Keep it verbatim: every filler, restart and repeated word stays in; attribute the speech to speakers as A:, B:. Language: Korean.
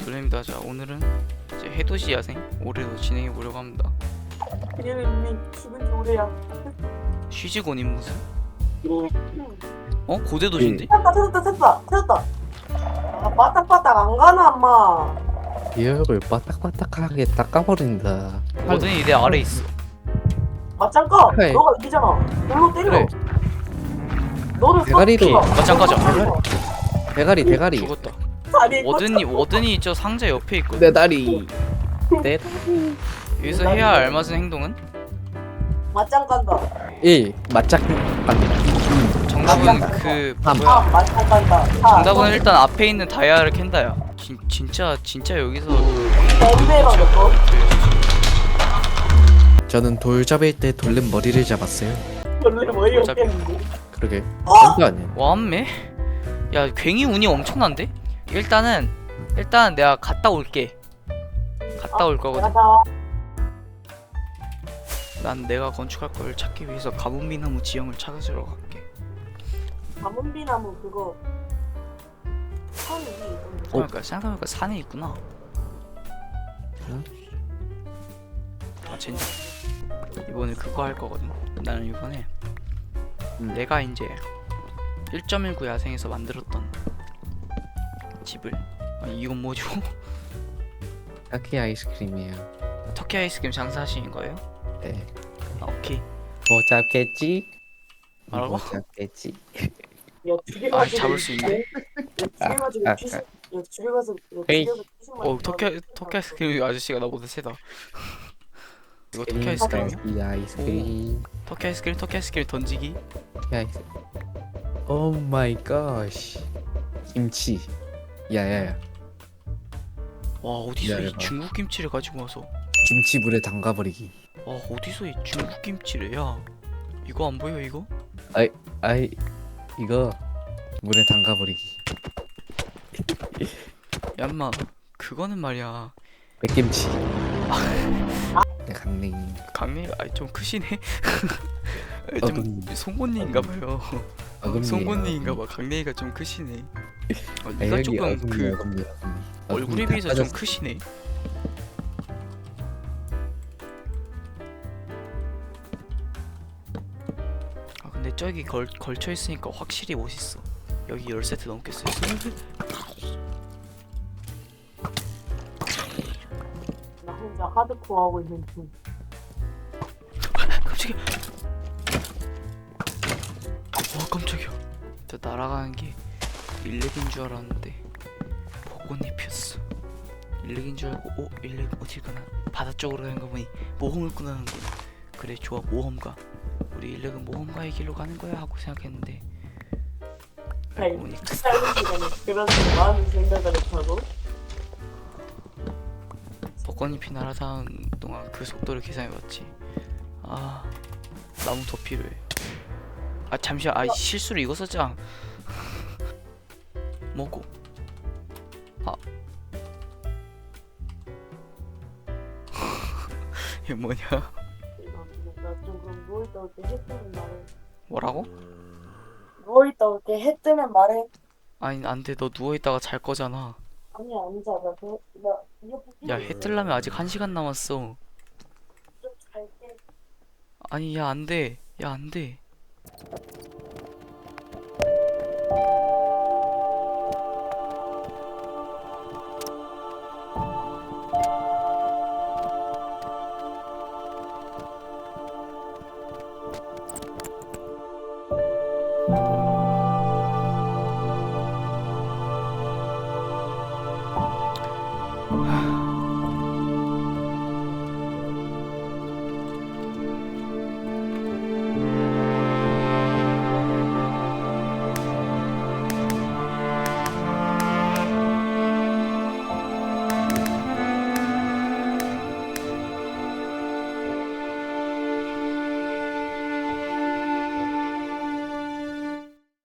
A: 놀랍니다. 자, 오늘은 이제 해돋이 야생 올해도 진행해 보려고 합니다.
B: 얘는 이미 죽은 지 오래야.
A: 쉬지곤인 무슨?
B: 음.
A: 어? 고대도시인데?
B: 찾았다 찾았다 찾았다 찾았다. 아 빠딱빠딱 안 가나 엄마.
C: 기억을 바닥바닥하게 닦아버린다.
A: 거든이 내 아래 있어.
B: 맞짱 까.
C: 그래.
B: 너가 이기잖아. 놀로 때려.
C: 그래.
B: 너를
C: 대가리로.
B: 쏘-
A: 맞짱 까자.
C: 대가리 대가리.
A: 죽었다.
B: 아니,
A: 워든이 워든이 저 상자 옆에 있거든.
C: 내 다리. 넷.
A: 여기서 해야 할 알맞은 행동은?
B: 맞짱 간다.
C: 일. 맞짝 갑니다.
A: 정답은 그
C: 삼.
A: 뭐야?
B: 아 맞짱 간다. 사.
A: 정답은 일단 앞에 있는 다이아를 캔다야. 진, 진짜 진짜 여기서
B: 엠베가 너.
C: 저는 돌 잡을 때 돌린 머리를 잡았어요.
B: 원래 뭐이
A: 어차피-
B: 없겠는데.
C: 그러게.
B: 어?
C: 진짜 아니야.
A: 와암매? 야 괜히 운이 엄청난데? 일단은 일단 내가 갔다 올게. 갔다 올 거거든.
B: 내가 다
A: 난 내가 건축할 걸 찾기 위해서 가뭄비나무 지형을 찾아주러 갈게.
B: 가문비나무 그거 선 위에 있던데.
A: 그러니까 생각해보니까 산에 있구나.
C: 응?
A: 아 진짜 이번에 그거 할 거거든. 나는 이번에
C: 음.
A: 내가 이제 일 점 일구 야생에서 만들었던 집을 아니 이건 뭐죠?
C: 타키 아이스크림이에요.
A: 터키 아이스크림 장사하시는 거예요?
C: 네.
A: 아 오케이.
C: 뭐 잡겠지?
A: 뭐라고?
C: 뭐 잡겠지?
B: 야 두개
A: 아,
B: 가지고.
A: 잡을 수 있네.
B: 두개 가지고
C: 아, 아,
B: 피시. 야 두개 가서.
C: 에이.
A: 어 터키 터키 아이스크림 아저씨가 나보다 세다. 이거 터키 아이스크림이야?
C: 이 아이스크림.
A: 터키 아이스크림 터키 아이스크림 던지기.
C: 야, 오 마이 갓. 김치. 야야야.
A: 와 어디서 이
C: 기다려봐.
A: 중국 김치를 가지고 와서
C: 김치 물에 담가버리기.
A: 와 어디서 이 중국 김치를 야 이거 안 보여 이거?
C: 아이 이거 물에 담가버리기.
A: 얌마 그거는 말이야
C: 백김치. 내 강냉이.
A: 강림 아이 좀 크시네.
C: 어,
A: 좀
C: 음.
A: 송곳니인가봐요.
C: 어금니예요.
A: 송곳니인가봐. 강림이가 좀 크시네. 어,
C: 아,
A: 네가
C: 여기
A: 조금
C: 어금니,
A: 그
C: 어금니, 어금니.
A: 얼굴에
C: 어금니
A: 비해서
C: 다
A: 좀
C: 빠졌어.
A: 크시네. 아 근데 저기 걸 걸쳐 있으니까 확실히 멋있어. 여기 열 세트 넘겠어요.
B: 나 혼자 하드코어 하고 있는 중.
A: 깜짝이야. 와 깜짝이야. 저 날아가는 게 일렉인 줄 알았는데 벚꽃잎이었어. 일렉인 줄 알고 오 일렉 어딜 가나 바다 쪽으로 가는 거 보니 모험을 꾸나는군. 그래 좋아 모험가. 우리 일렉은 모험가의 길로 가는 거야 하고 생각했는데 알고 보니까
B: 짧은 시간에 그런 많은 생각을 했다고?
A: 벚꽃잎이 날아다니는 동안 그 속도를 계산해봤지. 아 나무 더 필요해. 아 잠시만 아 실수로 이거 썼잖아. 뭐고? 아 이게 뭐냐?
B: 나좀 그럼 누워있다 올 때 해 뜨면 말해.
A: 뭐라고?
B: 누워있다 올 때 해 뜨면 말해.
A: 아니 안돼 너 누워있다가 잘 거잖아.
B: 아니야 안 자. 나, 그, 나 이어폰
A: 야 해 뜰라면 아직 한 시간 남았어.
B: 좀 잘게.
A: 아니 야 안돼 야 안돼.